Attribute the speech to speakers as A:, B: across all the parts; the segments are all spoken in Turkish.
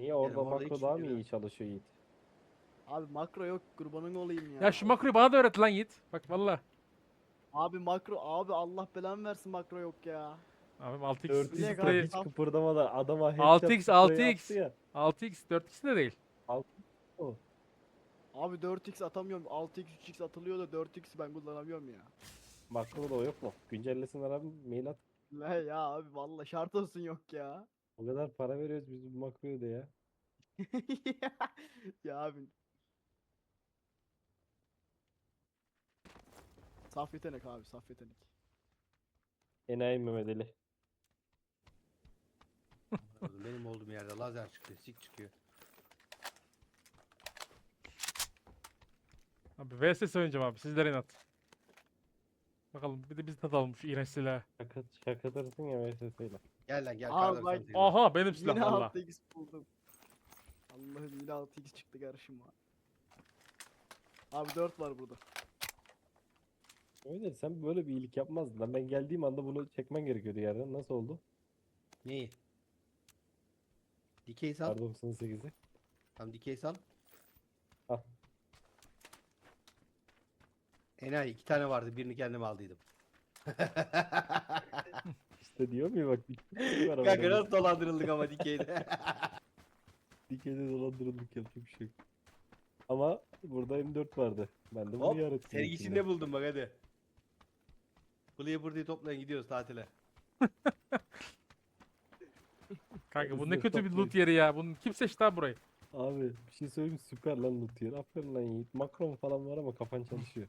A: Niye orada
B: Benim orada
A: makro
B: hiç
A: daha mı
B: fikrim yok.
A: iyi çalışıyor Yiğit?
C: Abi makro yok kurbanın olayım ya.
D: Ya şu makroyu bana da öğret lan Yiğit. Bak valla.
C: Abi makro abi Allah belanı versin makro yok ya.
D: Abim 6x
C: Bilek
A: 4x'te
C: abi,
D: spreyi.
A: hiç
C: tam-
A: kıpırdamadan adama headshot
D: 6x
A: sprey
D: 6x.
A: attı ya.
D: 6x 4x de değil.
A: O.
C: Abi 4x atamıyorum. 6x 3x atılıyor da 4x ben kullanamıyorum ya.
A: Makro da o yok mu? Güncellesinler abi, mail at.
C: La ya abi valla şart olsun yok ya.
A: O kadar para veriyoruz biz bu makroya da ya.
C: Ya abi. Saf yetenek abi saf yetenek.
A: Enayi Mehmet Ali.
B: Benim olduğum yerde lazer çıkıyor, sik çıkıyor.
D: Abi VSS oynayacağım abi. Sizlere inat. Bakalım bir de biz tadalım şu iğrenç silahı.
A: Şakatırsın ya VSS'yle.
B: Gel lan gel.
C: Abi
B: kar
C: bak-
B: 98 var.
D: Aha benim silah
C: Yine
D: valla.
C: 6x buldum. Allah'ım yine 6x çıktı karşıma. Abi 4 var burada.
A: Öyle sen böyle bir iyilik yapmazdın lan. Ben geldiğim anda bunu çekmen gerekiyordu yerden. Nasıl oldu?
B: Neyi? Dikey sal.
A: R98'i.
B: Tam dikey sal.
A: Al.
B: Enayi 2 tane vardı. Birini kendim aldıydım.
A: İşte diyor mu bak. Bir var
B: Kanka
A: ama.
B: nasıl dolandırıldık ama dikeyde.
A: Dikeyde dolandırıldık yapacak bir şey yok. Ama burada M4 vardı. Ben de bunu
B: Hop.
A: yarattım.
B: Sergisinde buldum bak hadi. Burayı burayı toplayın gidiyoruz tatile.
D: Kanka bu
A: Biz
D: ne
A: de
D: kötü bir loot
A: toplayız.
D: yeri ya. Bunu kim seçti abi burayı?
A: Abi bir şey söyleyeyim mi? Süper lan loot yer. Aferin lan Yiğit. Makron falan var ama kafan çalışıyor.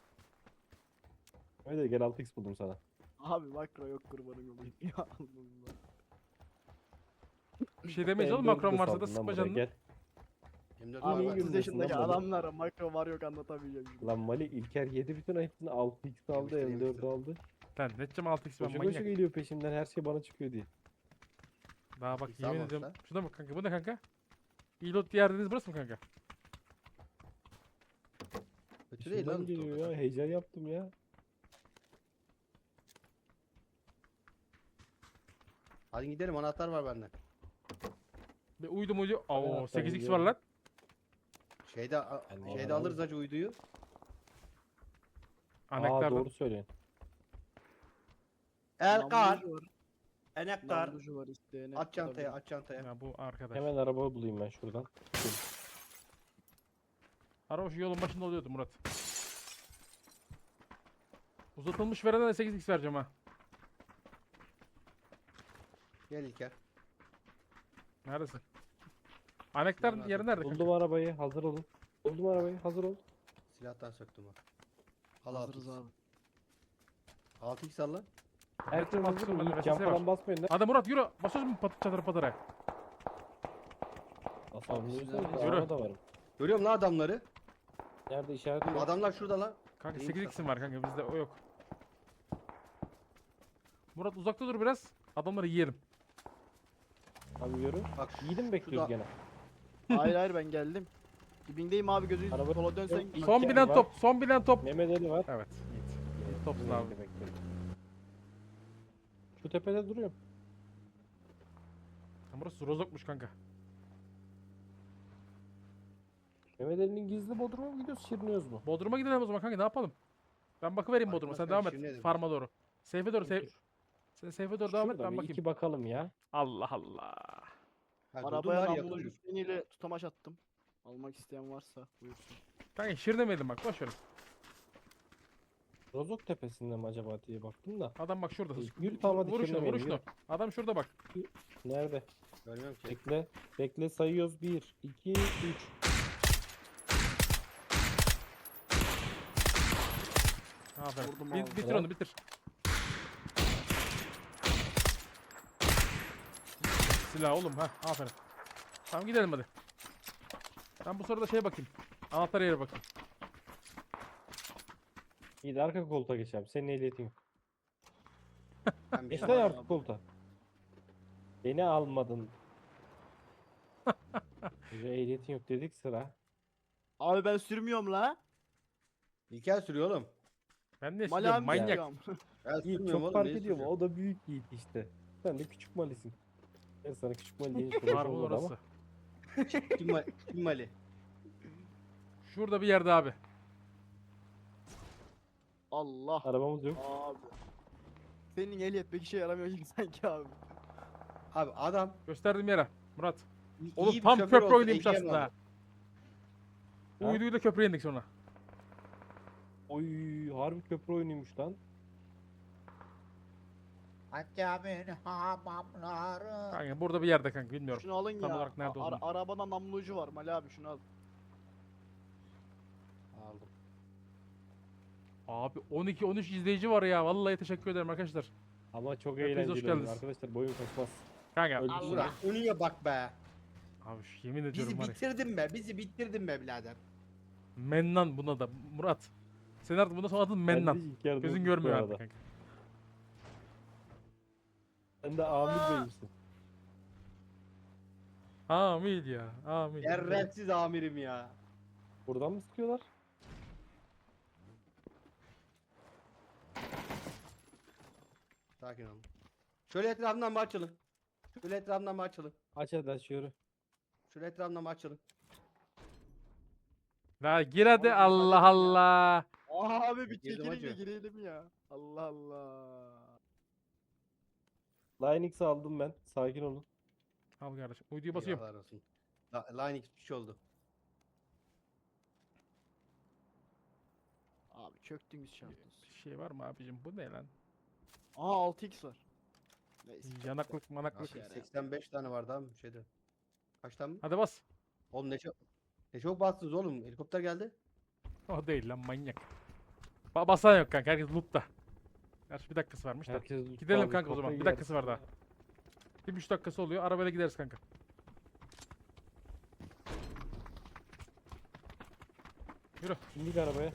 A: Öyle gel 6x buldum sana.
C: Abi makro yok kurbanın olayım ya Allah Allah.
D: Bir şey demeyiz oğlum
A: M4'ü de
D: makron varsa da
A: saldın lan
D: sıkma
A: buraya,
D: canını.
A: Gel.
B: M4
C: Abi
A: iyi
B: var.
C: 30
A: gündesin
C: yaşındaki
A: lan Mali.
C: adamlara makro var yok anlatamayacağım şimdi.
A: Lan Mali İlker yedi bütün hepsini 6x aldı,
B: Yemiştir,
A: M4
B: yemiştir.
A: aldı.
D: Lan ne edeceğim 6x ben
A: Koşa koşa
D: manyak.
A: geliyor peşimden, her şey bana çıkıyor diye.
D: Daha bak
B: 6x
D: yemin
B: almamışlar.
D: ediyorum. Şuna bak kanka bu ne kanka? İyi loot yer dediniz burası mı kanka?
B: Kötü değil
A: Peşimden
B: lan.
A: geliyor ya, heyecan yaptım ya.
B: Hadi gidelim anahtar var bende.
D: Bir uydum uydu. Oo
A: hatta
D: 8x var
A: gidiyorum.
D: lan.
B: Şeyde
A: Ben de
B: şeyde
A: alırım.
B: alırız acı uyduyu.
A: Aa
D: Anahtardan.
A: doğru söylüyorsun.
B: Erkar.
C: Namlucu var.
B: Enektar.
C: Namlucu var isteyene.
B: At çantaya
C: alabilir.
B: at çantaya.
D: Ya bu arkadaş.
A: Hemen araba bulayım ben şuradan.
D: Araba şu yolun başında oluyordu Murat. Uzatılmış verene de 8x vereceğim ha.
B: Gel İlker.
D: Neredesin? Anektar
B: Nerede?
D: yeri nerede kanka?
A: Buldum arabayı, hazır olun. Buldum arabayı, hazır ol.
B: Silahtan söktüm bak. Al
C: Hazırız
B: 6x.
C: abi.
B: 6x al lan.
A: Herkes
D: bak,
A: hazır
D: bende
A: mı?
D: VSS
A: Cam
D: var.
A: falan basmayın lan.
D: Hadi Murat yürü. Basıyoruz mu çadır patıra?
A: Asamlıyorsan
C: Yürü.
A: araba da varım.
B: Görüyorum lan adamları.
A: Nerede işareti yok.
B: Adamlar şurada lan.
D: Kanka
B: İyi
D: 8x'im var kanka bizde o yok. Murat uzakta dur biraz. Adamları yiyelim.
A: Abi yürü.
B: Bak
A: Yiğidi mi bekliyoruz
B: şurada-
A: gene?
C: Hayır hayır ben geldim. Dibindeyim abi gözü
A: Araba-
C: sola dönsen.
A: Yok,
D: Son
A: İlker
D: bilen
A: var.
D: top. Son bilen top.
A: Mehmet Ali var.
D: Evet. Yiğit. Topsun abi.
A: Bekle, bekle. Şu tepede duruyorum.
D: Burası rozokmuş kanka.
A: Mehmet Ali'nin gizli bodruma mı gidiyoruz, şiriniyoruz mu?
D: Bodrum'a gidelim o zaman kanka ne yapalım? Ben bakıvereyim Bodrum'a sen
B: Arkadaşlar,
D: devam et.
B: şimdi dedim.
D: Farma doğru. Seyfe doğru.
A: Dur.
D: Sen Seyfe doğru devam et
A: Şurada
D: ben
A: bir
D: bakayım.
A: iki bakalım ya.
D: Allah Allah.
B: Ha, durdum
C: Arabaya
B: var
C: namlucu
B: yakın.
C: freniyle tutamaç attım. Almak isteyen varsa buyursun.
D: Kanka şir demeyelim bak boş ver.
A: Rozok tepesinde mi acaba diye baktım da.
D: Adam bak şurada.
A: Yürü tamam hadi
D: Vur şunu
A: şirlemeyelim,
D: vur şunu.
A: yürü.
D: Adam şurada bak.
A: Nerede?
B: Görmüyorum ki.
A: Bekle. Bekle sayıyoruz. 1, 2, 3.
D: Aferin.
C: Vurdum
D: Bi-
C: abi.
D: bitir
A: Bravo.
D: onu bitir. Silah oğlum ha aferin. Tamam gidelim hadi. Ben bu sırada şeye bakayım. Anahtar yere bakayım.
A: İyi de arka koltuğa geç abi. Senin ehliyetin yok.
B: Ben bir
A: Geç
B: şey
A: lan
C: var
A: arka
C: abi.
A: koltuğa. Beni almadın. Bize ehliyetin yok dedik sıra.
C: Abi ben sürmüyorum la.
B: İlker sürüyor oğlum.
D: Ben de
C: Mali
D: siliyorum
C: abi
D: manyak.
C: sürüyorum.
B: Ben
A: Yiğit
B: sürmüyorum
A: çok
B: oğlum.
A: fark
B: neyi
A: ediyor mu?
B: sürüyorum?
A: O da büyük Yiğit işte. Sen de küçük malisin. Ben sana küçük mali deyince
D: Var
A: konuşamadım
D: bu
A: ama.
D: orası.
B: Kim Mali?
D: Şurada bir yerde abi.
C: Allah.
A: Arabamız yok.
C: Abi. Senin ehliyet pek işe yaramıyor gibi sanki abi.
B: Abi adam
D: Gösterdiğim yere. Murat.
B: iyi
D: Oğlum
B: bir
D: tam
B: şoför
D: köprü
B: olsa
D: oynaymış
B: ehliyet
D: aslında.
B: alır.
D: Ha.
A: Ha?
D: Uyduyla köprüye indik sonra.
A: Oy harbi köprü oyunuymuş lan.
E: Hacemin hamamları.
D: Kanka burada bir yerde kanka bilmiyorum.
C: Şunu alın
D: Tam
C: ya.
D: olarak nerede olduğunu.
C: Arabada namlu ucu var Mali abi, şunu al.
B: Aldım.
D: Abi 12-13 izleyici var ya. Vallahi teşekkür ederim arkadaşlar.
A: Ama çok
D: Hepiniz hoş
A: eğlenceli oyun
D: geldiniz.
A: arkadaşlar, boyun kaçmaz.
D: Kanka.
A: Öldü.
E: Allah.
B: Ulan Uni'ye bak be.
D: Abi yemin ediyorum
B: Bizi
D: var ya.
B: bitirdin be. Bizi bitirdin be birader.
D: Mennan buna da. Murat. Senin artık bundan sonra adın Mennan.
A: Ben de ilk yardım
D: Gözün
A: bu
D: görmüyor
A: arada.
D: artık kanka.
A: Sen de Amir Bey misin?
D: Amin ya. Amin.
B: Şerefsiz amirim ya.
A: Buradan mı sıkıyorlar?
B: Sakin olun. Şöyle etrafından bir açılın. Şöyle etrafından bir açılın.
A: Aç hadi aç yürü.
B: Şöyle etrafından bir açılın.
D: La gir hadi
C: Oğlum,
D: Allah
C: hadi ya.
D: Allah.
C: Abi bir
B: Girdim
C: çekilin de
B: hacı.
C: girelim ya. Allah Allah.
A: Line X aldım ben. Sakin olun.
D: Al kardeşim. Uyduyu basıyorum.
B: Eyvallah olsun. Line X bir şey oldu.
C: Abi çöktünüz şansınız.
D: Bir şey var mı abicim? Bu ne lan?
C: Aa 6x var. Neyse.
D: Yanaklık manaklık.
C: Şey,
B: 85 tane vardı abi şeyde. Kaç tane mi?
D: Hadi bas.
B: Oğlum ne çok bastınız oğlum. Helikopter geldi.
D: O değil lan manyak. Basan yok kanka. Herkes loop'ta. Gerçi bir dakikası varmış da.
A: Herkes
D: Gidelim
A: abi,
D: kanka o zaman.
A: kafayı
D: Bir dakikası var
A: yersin.
D: daha. Bir 3 dakikası oluyor. Arabayla gideriz kanka. Yürü.
A: İndik arabaya.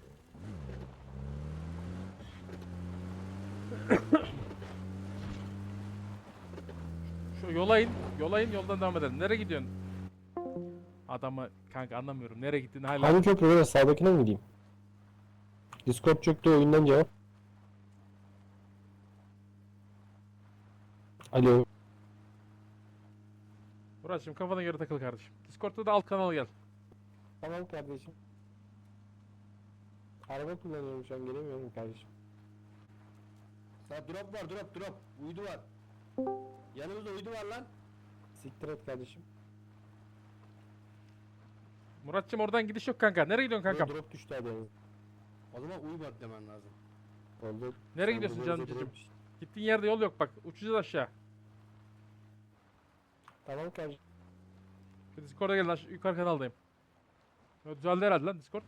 D: Şu yola in. Yola in. Yoldan devam edelim. Nereye gidiyorsun? Adamı kanka anlamıyorum. Nereye gittiğini hala.
A: Hangi köprü böyle, sağdakine mi gideyim? Discord çöktü, oyundan cevap. Alo.
D: Murat'cığım kafana göre takıl kardeşim. Discord'da da alt kanala gel.
A: Tamam kardeşim. Araba kullanıyorum şu an, gelemiyorum kardeşim.
B: Sağ drop var drop. Uydu var. Yanımızda uydu var lan.
A: Siktir et kardeşim.
D: Murat'cığım oradan gidiş yok kanka. Nereye gidiyorsun kankam?
A: Drop düştü hadi yalnız.
B: O zaman uyumadı demen lazım.
A: Oldu.
D: Nereye
A: Sen
D: gidiyorsun
A: burada
D: canım
A: bize
D: cicim?
A: drop-
D: Gittiğin yerde yol yok bak. Uçacağız aşağı.
A: Tamam kardeşim.
D: Şu Discord'a gelin. Yukarı kanaldayım. Ya düzeldi herhalde lan Discord.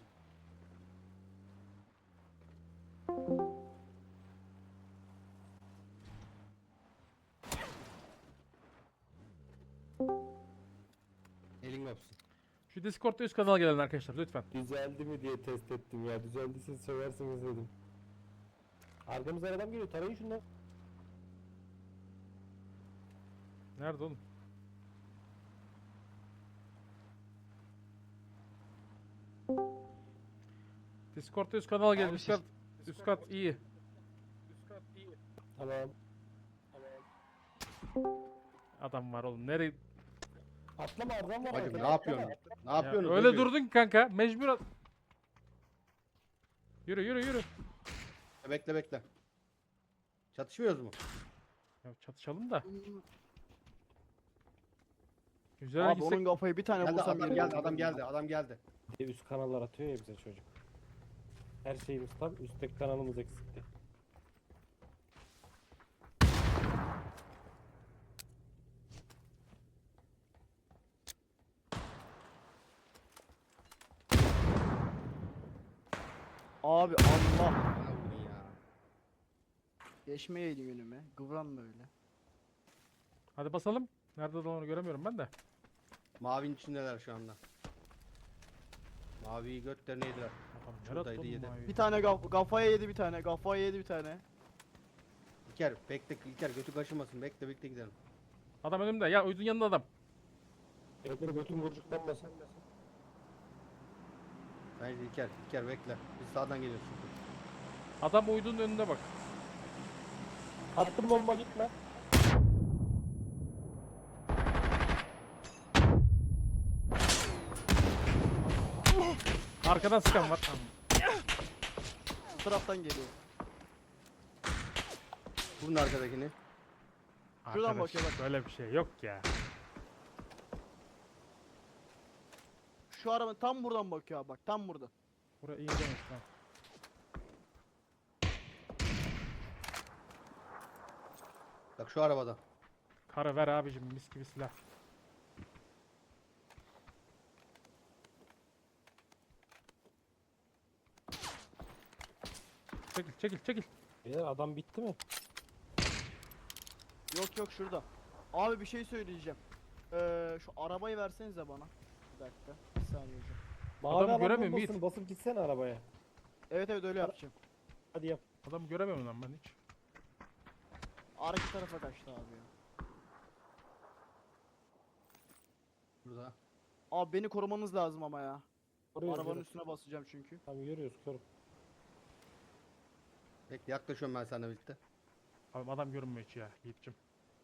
B: Elin öpsün.
D: Şu Discord'da üst kanala gelin arkadaşlar lütfen.
A: Düzeldi mi diye test ettim ya. Düzeldiyse söversiniz dedim. Arkamızdan adam geliyor. Tarayın şunları.
D: Nerede oğlum? Discord'da üst kanala gelin.
C: Abi
D: Üst kat, üst kat iyi.
A: Tamam.
D: Adam var oğlum. Nereye?
A: Atlama, adam var.
B: Hacım
A: arkada,
B: ne yapıyorsun?
A: atlama.
B: Ne
D: Ya,
B: yapıyorsun?
D: öyle durdun ki kanka. Mecbur. Yürü yürü yürü.
B: Bekle. Çatışmıyoruz mu?
D: Ya çatışalım da. Güzel
C: Abi
D: gitsek.
C: onun kafayı bir tane
B: Geldi
C: vursam
B: adam
C: yeri
B: geldi
C: dönüyor.
B: adam geldi.
A: Bir de üst kanallar atıyor ya bize çocuk. Her şeyimiz tam, üstteki kanalımız eksikti.
C: Abi Allah.
B: Bana vurdun ya.
C: Geçmeyeydin önüme. Kıvran böyle.
D: Hadi basalım. Nerede onu göremiyorum ben de.
B: Mavinin içindeler şu anda. Maviyi götlerine yediler.
D: Adam
B: Şuradaydı,
D: yarattı
B: yedi.
D: oğlum mavi.
C: Bir tane kafaya yedi bir tane. Kafaya yedi bir tane.
B: İlker bekle İlker götü kaşımasın bekle gidelim.
D: Adam önümde. Ya uydun yanında adam.
A: Evleri götüm vurcuklanmasın.
B: Bence İlker bekle. Biz sağdan geliyoruz çünkü.
D: Adam uydunun önünde bak.
A: Attım bomba, gitme.
D: Arkadan sıkan var.
C: Bu taraftan geliyor.
B: Vurun arkadakini.
C: Şuradan
D: Arkadaş,
C: bakıyor bak.
D: böyle bir şey yok ya.
C: Şu araba tam buradan bakıyor abi bak tam burada.
D: Buraya iyi demiş lan.
B: Bak şu arabada.
D: Karı ver abicim, mis gibi silah. Çekil çekil çekil.
A: Beyler adam bitti mi?
C: Yok yok şurada. Abi bir şey söyleyeceğim. Şu arabayı versenize bana. Bir dakika. Bir saniye hocam.
A: Mavi
D: Adamı
A: alan
D: göremiyorum,
A: bombasını
D: Yiğit.
A: basıp gitsene arabaya.
C: Evet evet öyle yapacağım.
A: Hadi yap.
D: Adamı göremiyorum lan ben hiç.
C: Arka tarafa kaçtı abi ya.
B: Burada.
C: Abi beni korumanız lazım ama ya.
A: Koruyoruz,
C: Arabanın
A: yürü.
C: üstüne basacağım çünkü.
A: Tamam yürüyoruz koru.
B: Bekle yaklaşıyorum ben seninle birlikte.
D: Abi adam görünmüyor hiç ya Yiğit'cim.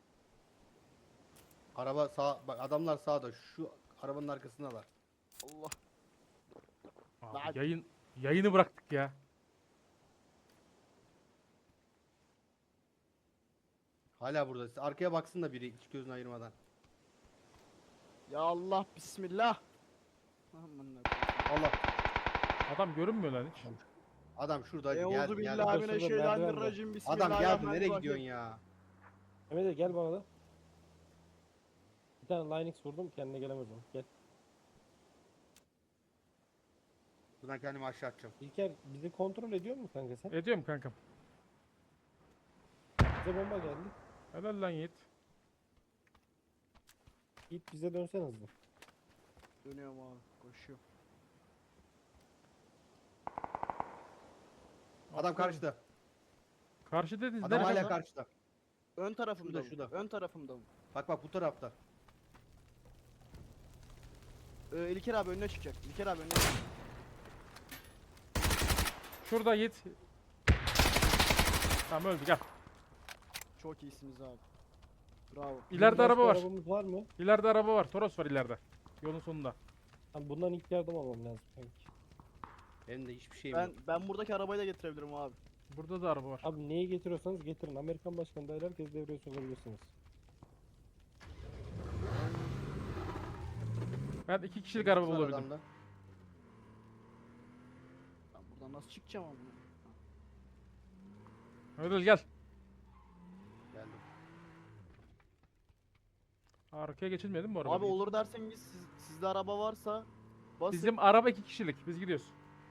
B: Araba sağ, bak adamlar sağda. Şu arabanın arkasındalar.
C: Allah.
D: Abi
C: Lan.
D: yayını bıraktık ya.
B: Hala burada. Arkaya baksın da biri hiç gözünü ayırmadan.
C: Ya Allah bismillah. Aman ne
B: Allah.
D: Adam görünmüyor lan hiç.
B: Adam şurada
C: Euzu
B: gel gel.
C: billahi
A: şurada,
C: mineşşeytanirracim.
B: Adam geldi nereye
C: Bismillahirrahmanirrahim.
B: gidiyorsun ya?
A: Mehmet Ali gel bana da. Bir tane Linux vurdum kendine gelemez o. Gel.
B: Buradan kendimi aşağı atacağım.
A: İlker bizi kontrol ediyor mu kanka sen?
D: Ediyorum kankam.
A: Bize bomba geldi.
D: Helal lan Yiğit.
A: Git bize dönsen hızlı.
C: Dönüyorum abi. Koşuyorum.
B: Adam karşıda.
D: Karşı dediniz
B: Adam
D: nerede
B: hala
D: lan?
B: karşıda.
C: Ön tarafımda
B: Şurada,
C: mı?
B: şurada.
C: Ön tarafımda mı?
B: Bak bu tarafta.
C: İlker abi önüne çıkacak. İlker abi önüne çıkacak.
D: Şurada Yiğit. Tamam öldü gel.
C: Çok iyisiniz abi. Bravo.
D: İleride
A: Başka
D: araba var.
A: arabamız var mı?
D: İleride araba var. Toros var ileride. Yolun sonunda.
A: Tamam, bundan ilk yardım almam lazım kanki.
B: Benim de hiçbir şeyim yok.
C: Ben buradaki arabayı da getirebilirim abi.
D: Burada da araba var.
A: Abi neyi getiriyorsanız getirin. Amerikan başkanı dahil herkes devreye sokabilirsiniz.
D: Ben 2 kişilik araba
B: Var
D: bulabildim.
B: adamda.
C: Ben buradan nasıl çıkacağım abi?
D: Ödül gel.
B: Geldim.
D: Arkaya geçilmedi mi bu araba?
C: Abi olur derseniz sizde araba varsa basın.
D: Bizim araba 2 kişilik. Biz gidiyoruz.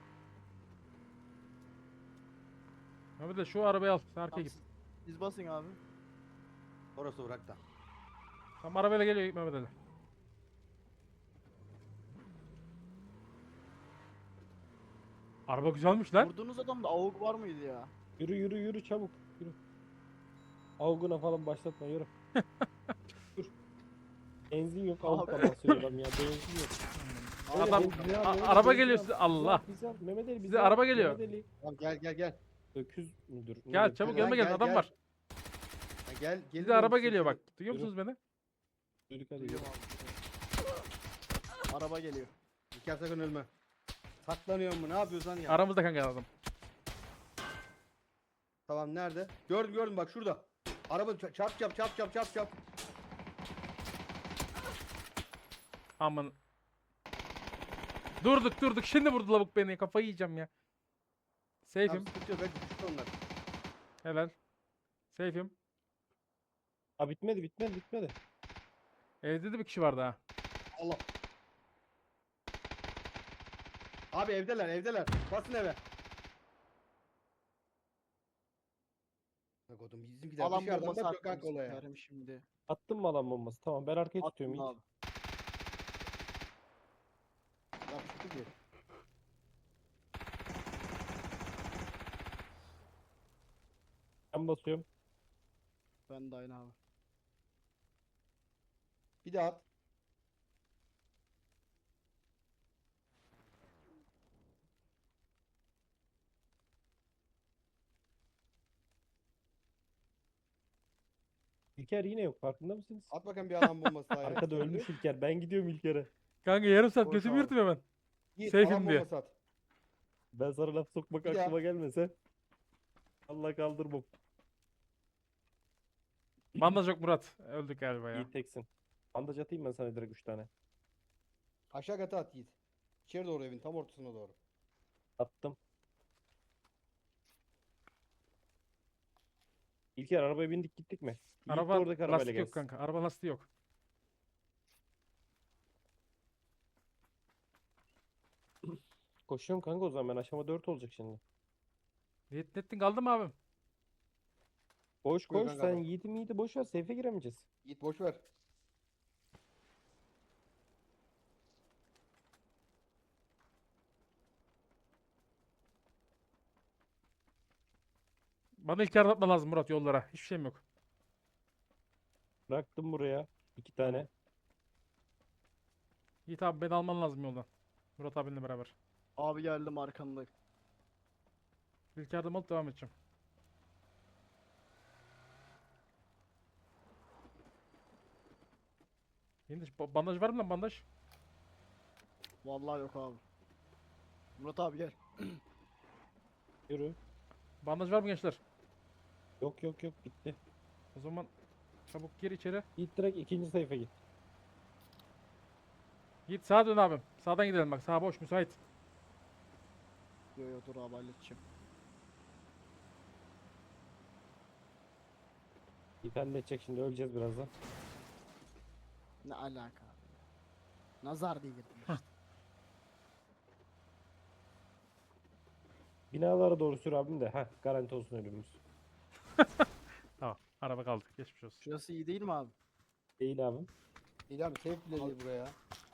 D: Abi de şu arabayı al. Sen arkaya
C: Tamam,
D: git.
C: siz basın abi.
B: Orası bırak da.
D: Tam arabayla geliyor Mehmet Ali. Araba güzelmiş lan.
C: Vurduğunuz adamda AUG var mıydı ya?
A: Yürü yürü yürü çabuk. Yürü. Avguna falan başlatma yürü. Dur. Benzin yok avukla basıyor adam ya. Benzin yok.
D: Adam
A: Benzin al, Mehmet
D: araba
A: Ali,
D: geliyor
A: benzin
D: size.
A: al,
D: Allah.
A: bizi al, Mehmet Ali bizi
D: Bize
A: al,
D: araba geliyor.
A: Mehmet Ali.
B: Tamam gel.
A: Öküz müdür?
D: Gel
A: nedir?
D: çabuk
B: Gel,
D: yanıma gelin.
B: gel,
D: Adam
B: gel.
D: var.
B: Ha, gel
D: Bize araba geliyor bak. Duyuyor
A: Yürü.
D: musunuz beni?
A: Duyduk hadi.
C: Duyuyorum abi. Araba geliyor.
B: İlker sakın ölme. Saklanıyor mu? Ne yapıyorsan ya.
D: Aramızda kanka adam.
B: Tamam nerede? Gördüm bak şurada. Araba çap.
D: Aman. Durduk. Şimdi vurdu lavuk beni. Kafayı yiyeceğim ya.
B: Tamam
D: Safe'im.
B: sıkıntı yok. Belki düştü onlar.
D: Helal. Safe'im.
A: Ha bitmedi.
D: Evde de bir kişi vardı ha.
B: Allah. Abi evdeler. Basın eve. Bak oğlum bizimkiler
C: Alan
B: dışarıdan
C: bombası
B: bakıyor kanka
C: attım
B: olaya.
C: sikerim şimdi.
A: Attın mı alan bombası? Tamam ben arkaya tutuyorum
C: Attım
A: ilk.
C: abi.
B: Yapıştı ki.
A: Ben basıyorum.
C: Ben de aynı abi.
B: Bir daha at.
A: İlker yine yok farkında mısınız?
B: At bakayım bir alan bombası daha. ya.
A: Arkada ölmüş İlker. Ben gidiyorum İlker'e.
D: Kanka yarım saat
C: Boş
D: götümü
C: abi.
D: yırtım hemen.
B: Yiğit,
D: Safe'im
B: alan
D: diye.
B: bombası at.
A: Ben sana laf sokmak
B: Bir daha.
A: aklıma gelmese. Allah kaldırmam.
D: Bandaj yok Murat. Öldük galiba ya.
A: İyi teksin. Bandaj atayım ben sana direkt 3 tane.
B: Aşağı kata at Yiğit. İçeri doğru evin tam ortasına doğru.
A: Attım. İlker arabaya bindik gittik mi? Yiğit de
D: Araba
A: oradaki arabayla
D: lastik yok
A: gelsin.
D: kanka. Araba lastiği yok.
A: Koşuyorum kanka o zaman ben aşama 4 olacak şimdi.
D: Nettin kaldı mı abim?
A: Boş
B: Buyur
A: koş
B: kanka
A: sen
B: bak.
A: Yiğit'i boş ver safe'e giremeyeceğiz.
B: Yiğit boş ver.
D: Bana ilk yardım atma lazım Murat yollara. Hiçbir şeyim yok.
A: Bıraktım buraya 2 tane.
D: Yiğit abi beni alman lazım yoldan. Murat abinle beraber.
C: Abi geldim arkanda.
D: İlk yardım alıp devam edeceğim. Bandaj var mı lan bandaj?
C: Vallahi yok abi. Murat abi gel.
A: Yürü.
D: Bandaj var mı gençler?
A: Yok yok yok bitti.
D: O zaman çabuk gir içeri.
A: Yiğit direkt ikinci sayfa git.
D: Git sağa dön abim. Sağdan gidelim bak. Sağ boş müsait.
C: Yo yo dur abi halledeceğim.
A: Yiğit halledecek şimdi öleceğiz birazdan.
C: Ne alaka abi ya. Nazar değdirdim işte.
A: Binalara doğru sür abim de. Heh garanti olsun ölümümüz.
D: Tamam. Araba kaldı. Geçmiş olsun.
C: Şurası iyi değil mi abi?
A: Değil abim.
B: İyi abi safe bile değil buraya.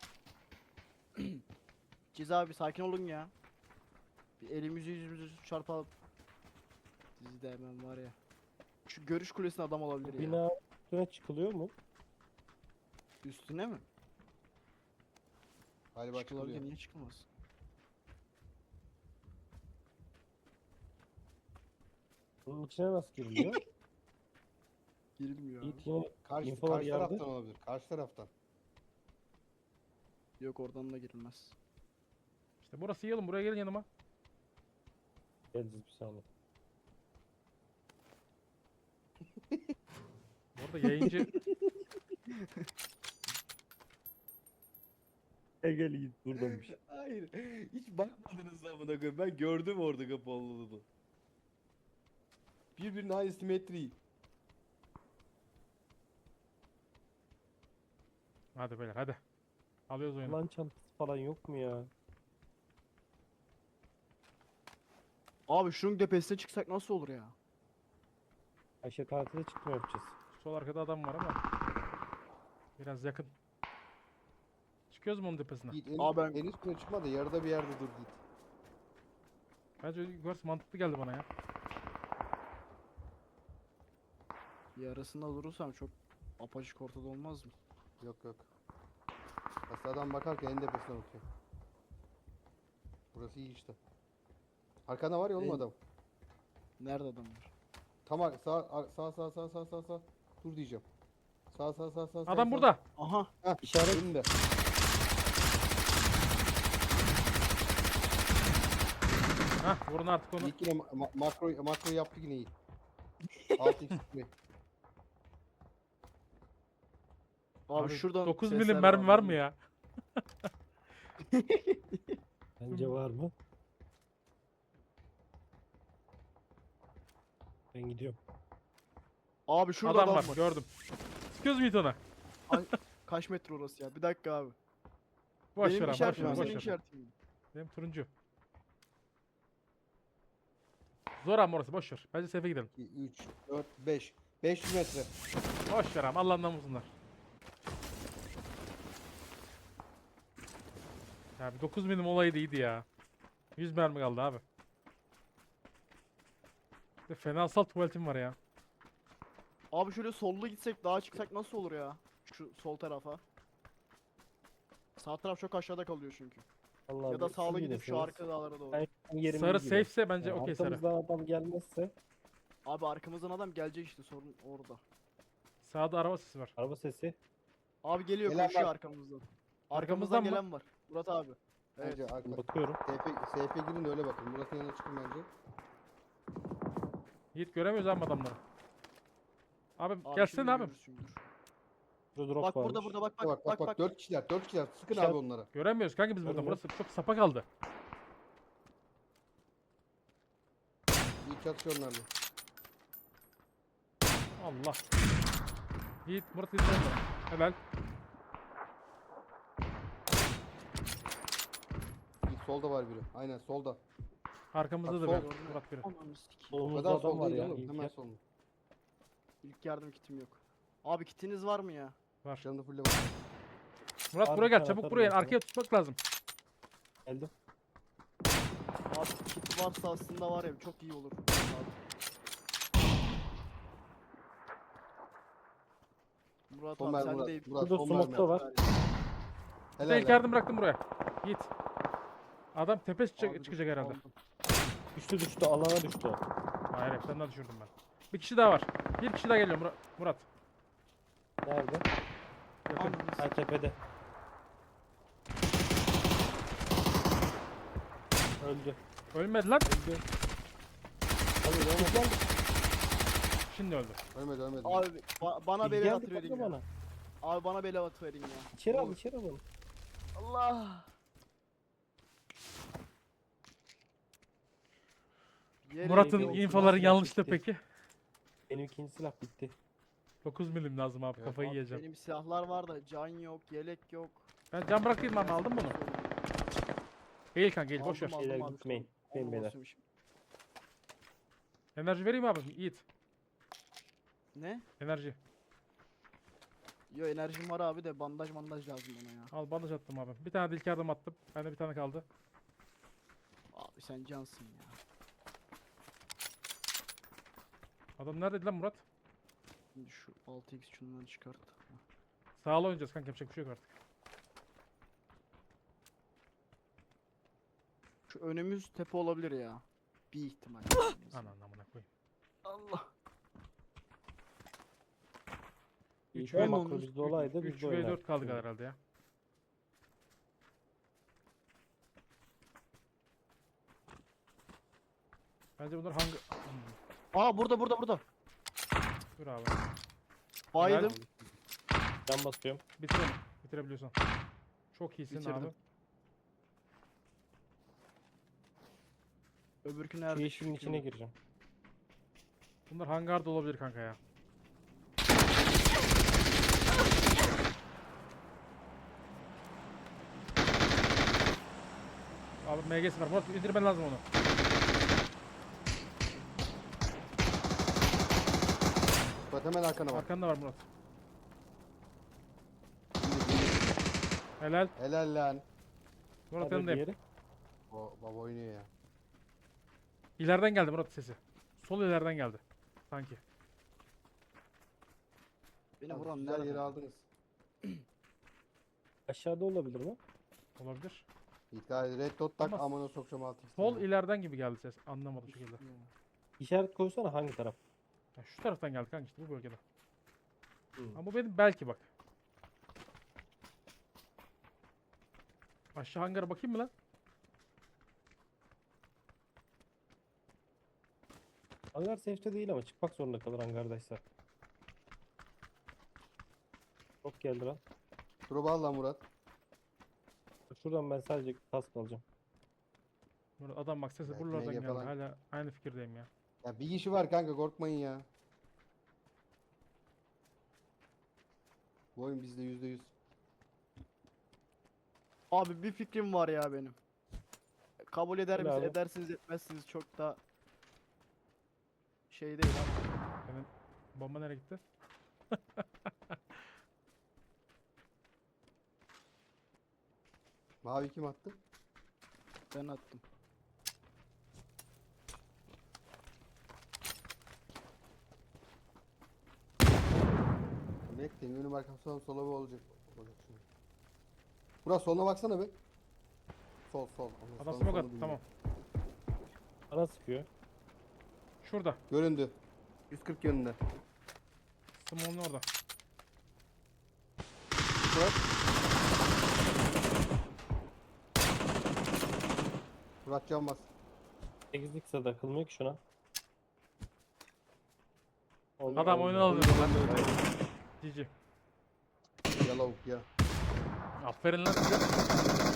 C: Ciz abi sakin olun ya. Bir elimizi yüzümüzü çarpalım. Sizi de hemen var ya. Şu görüş kulesine adam olabilir ya.
A: Bina üstüne çıkılıyor mu?
C: Üstüne mi?
B: Galiba
C: Çıkılabilir,
B: çıkılıyor.
C: niye çıkılmaz?
A: Bunun içine nasıl giriliyor?
C: Girilmiyor abi.
A: Yiğit yine
B: Karşı
A: infolar
B: taraftan
A: yardı.
B: olabilir. Karşı taraftan.
C: Yok oradan da girilmez.
D: İşte burası iyi oğlum. Buraya gelin yanıma.
A: Geleceğiz bir saniye.
D: Orada yayıncı
A: Gel Yiğit buradaymış.
B: Hayır. Hiç bakmadınız amına koyayım. Ben gördüm orada kapı olduğunu. Birbirine aynı simetri.
D: Hadi beyler hadi. Alıyoruz oyunu.
A: Lan çantası falan yok mu ya?
C: Abi şunun tepesine çıksak nasıl olur ya?
A: Ayşe tatile çıkma yapacağız.
D: Sol arkada adam var ama. Biraz yakın. Çıkıyoruz mu onun tepesine?
B: Yiğit
C: Aa, ben-
B: en üstüne çıkma da yarıda bir yerde dur Yiğit.
D: Bence yukarısı mantıklı geldi bana ya.
C: Yarısında durursam çok apaçık ortada olmaz mı?
B: Yok yok. Aslında adam bakarken en tepesine bakıyor. Burası iyi işte. Arkanda var ya oğlum
C: En-
B: adam.
C: Nerede adamlar?
B: Tam sağ. Dur diyeceğim. Sağ.
D: Adam burada.
C: Aha.
B: Heh,
A: İşaret.
B: önünde.
D: Hah vurun artık onu.
B: Yiğit yine makro yaptı yine iyi. 6x sprey.
C: Abi, şuradan
D: 9
C: sesler
D: milim mermi var
C: abi.
D: mı ya?
A: Bence var mı? Ben gidiyorum.
C: Abi şurada
D: Adam var gördüm. Sıkıyoruz mu ona?
C: Kaç metre orası ya? Bir dakika abi.
D: Boş
C: Benim
D: ver abi boş
C: işaretim
D: ver
C: mi,
D: boş
C: senin
D: ver.
C: işaretin mi?
D: Benim turuncu. Zor ama orası boş ver. Bence safe'e gidelim.
B: 3, 4, 5. 500 metre.
D: Boş ver abi Allah'ından bulsunlar. Ya bir 9 milim olayı da iyiydi ya. 100 mermi kaldı abi. Bir de fenasal tuvaletim var ya.
C: Abi şöyle sollu gitsek daha çıksak nasıl olur ya? Şu sol tarafa. Sağ taraf çok aşağıda kalıyor çünkü.
A: Allah
C: Ya da
A: siz
C: sağlı gidip şu
A: bilirsiniz.
C: arka dağlara doğru.
A: Ben yerimiz
D: Sarı
A: gibi.
D: safe'se bence
A: Yani
D: okey sarı.
A: arkamızdan adam gelmezse
C: Abi arkamızdan adam gelecek işte, sorun orada.
D: Sağda araba sesi var.
A: araba sesi.
C: Abi geliyor,
B: Gelen
C: koşuyor
B: var.
C: arkamızdan.
D: Arkamızdan
C: Arkamızdan
D: mı?
C: gelen var. Murat abi. Evet.
B: Bence arka.
A: Bakıyorum.
B: SF girin de öyle bakın. Murat'ın yanına çıkın bence.
D: Yiğit göremiyoruz abi adamları. Abi,
C: Abi
D: gelsene
C: şimdi
D: abi.
C: görürsün, dur.
A: Burada drop
C: Bak
A: varmış.
C: burada bak
B: Bak bak bak. 4 kişiler. 4 kişiler. Sıkın
A: İşaret-
B: abi onlara.
D: Göremiyoruz kanka biz burada.
A: Görmüyorum.
D: Burası çok sapa kaldı.
B: İyi çatışıyor onlarla.
D: Allah. Yiğit Murat izleyin beni. Helal.
B: İyi, solda var biri. Aynen solda.
D: Arkamızda da
B: Bak,
D: bir
B: sol.
D: Murat biri.
C: Ananı sikeyim.
B: O
A: Solumuzda
B: kadar
A: adam
B: sol
A: var
B: değil
A: ya.
B: oğlum.
A: İlker.
B: Hemen sol.
C: İlk yardım kitim yok. Abi kitiniz var mı ya?
D: Var.
B: Canını fulle bak.
D: Murat
A: Abi
D: buraya
A: bir
D: gel.
A: tane
D: Çabuk
A: atarım
D: buraya.
A: ben sana.
D: Arkaya tutmak lazım.
A: Geldim.
C: Abi kit varsa aslında var ya çok iyi olur. Abi. Murat
B: Son
C: abi
B: mermi
C: sen
B: Murat.
C: de
B: Murat
A: Burada
B: son
A: smoke
B: mermi.
A: da var.
D: Bir
B: Helal
D: de ilk
B: lan.
D: yardım bıraktım buraya. Yiğit. Adam tepe
C: Abi dur,
D: çıkacak herhalde.
C: aldım.
A: Düştü alana düştü o.
D: Hayır hepsinden düşürdüm ben. Bir kişi daha var. Bir kişi daha geliyor Murat.
A: Nerede?
D: Yakın.
C: Ananı
A: Ha tepede. Öldü.
D: Ölmedi lan.
A: Öldü. Hadi devam et.
D: Şimdi öldü.
B: Ölmedi ölmedi.
C: Abi bana
A: Bilgi
C: bele
A: geldi,
C: atı verin
A: patla
C: ya.
A: bana.
C: Abi bana bele atı verin ya.
A: İçeri al
C: Olur.
A: içeri al onu.
C: Allah. Yere
D: Murat'ın
A: bir olsun,
D: infoları
A: nasıl
D: yanlıştı
A: gitti?
D: peki.
A: Benim ikinci silah bitti.
D: 9 milim lazım abi
B: Evet,
D: kafayı
C: Abi
D: yiyeceğim.
C: benim silahlar var da can yok, yelek yok.
D: Ben can bırakayım abi aldın mı onu? Eğil kanka eğil boş ver.
C: Aldım,
A: Şeyler
C: abi,
A: gitmeyin.
C: tamam.
A: Gitmeyin beyler.
C: Olmasın.
D: Enerji vereyim abi Yiğit.
C: Ne?
D: Enerji.
C: Yo enerjim var abi de bandaj lazım bana ya.
D: Al bandaj attım abi. Bir tane de ilk yardım attım. Bende bir tane kaldı.
C: Abi sen cansın ya.
D: Adam neredeydi lan Murat?
C: Şimdi şu 6x şundan çıkart.
D: Sağla oynayacağız kanka yapacak bir şey yok artık.
C: Şu önümüz tepe olabilir ya. Bir ihtimal.
D: Anan amına koyayım.
C: Allah.
A: İyi
D: Üç
A: ki
D: ve-
A: makro bizde olaydı biz
D: 3
A: de
D: ve 4
A: oynardık.
D: kaldık herhalde ya. Bence bunlar hangi...
C: Aa burada.
D: Dur abi.
C: Baydım.
A: Can basıyorum.
D: Bitir onu. Bitirebiliyorsan. Çok iyisin
C: Bitirdim.
D: abi.
C: Öbürkü
A: Şu
C: nerede?
A: yeşilin içine gireceğim.
D: Bunlar hangarda olabilir kanka ya. Abi MG'si var. Murat indirmen lazım onu.
B: Bak hemen arkana bak.
D: Arkanda var Murat. Helal.
B: Helal lan.
D: Murat
A: Nerede
D: yanındayım.
A: diğeri?
B: O baba oynuyor ya.
D: İleriden geldi Murat sesi. Sol ileriden geldi. Sanki.
C: Beni
B: Abi,
C: vuran
B: güzel
C: nerede?
B: yeri aldınız.
A: Aşağıda olabilir mi?
D: Olabilir.
B: İddia red dot tak
D: Ama
B: amına sokacağım 6x.
D: Sol ileriden gibi geldi ses. Anlamadım şu şekilde.
A: İşaret koysana hangi taraf?
D: Ya şu taraftan geldi kanka işte bu bölgeden.
A: Hmm.
D: Ama bu benim belki bak. Aşağı hangara bakayım mı lan?
A: Hangar safe'te değil ama çıkmak zorunda kalır hangardaysa. Çok geldi lan.
B: Drop'u al lan Murat.
A: Şuradan ben sadece kask alacağım.
D: Burada adam bak sesi
B: Evet,
D: buralardan
B: MG
D: geldi.
B: falan.
D: Hala aynı fikirdeyim ya.
B: Ya bir kişi var kanka korkmayın ya. Bu oyun bizde %100.
C: Abi bir fikrim var ya benim. Kabul eder
A: Söyle
C: misiniz?
A: abi.
C: Edersiniz etmezsiniz çok da şey değil abi.
D: Benim bomba nereye gitti?
B: Mavi kim attı?
C: Ben attım.
B: Bekleyin önüm arkamdan sola bir olacak. Olacak şimdi. Murat soluna baksana be. Sol. Ama
D: Adam
B: sağın
D: smoke
B: solunu
D: attı
B: bilmiyorum.
D: tamam.
A: Bana sıkıyor.
D: Şurada.
B: Göründü. 140 yönünde.
D: Smoke'un orada.
B: Murat. Murat can bas.
A: 8'lik ise takılmıyor ki şuna.
D: Adam oyunu alıyor lan. Cici.
B: Ya lavuk ya.
D: Aferin lan size.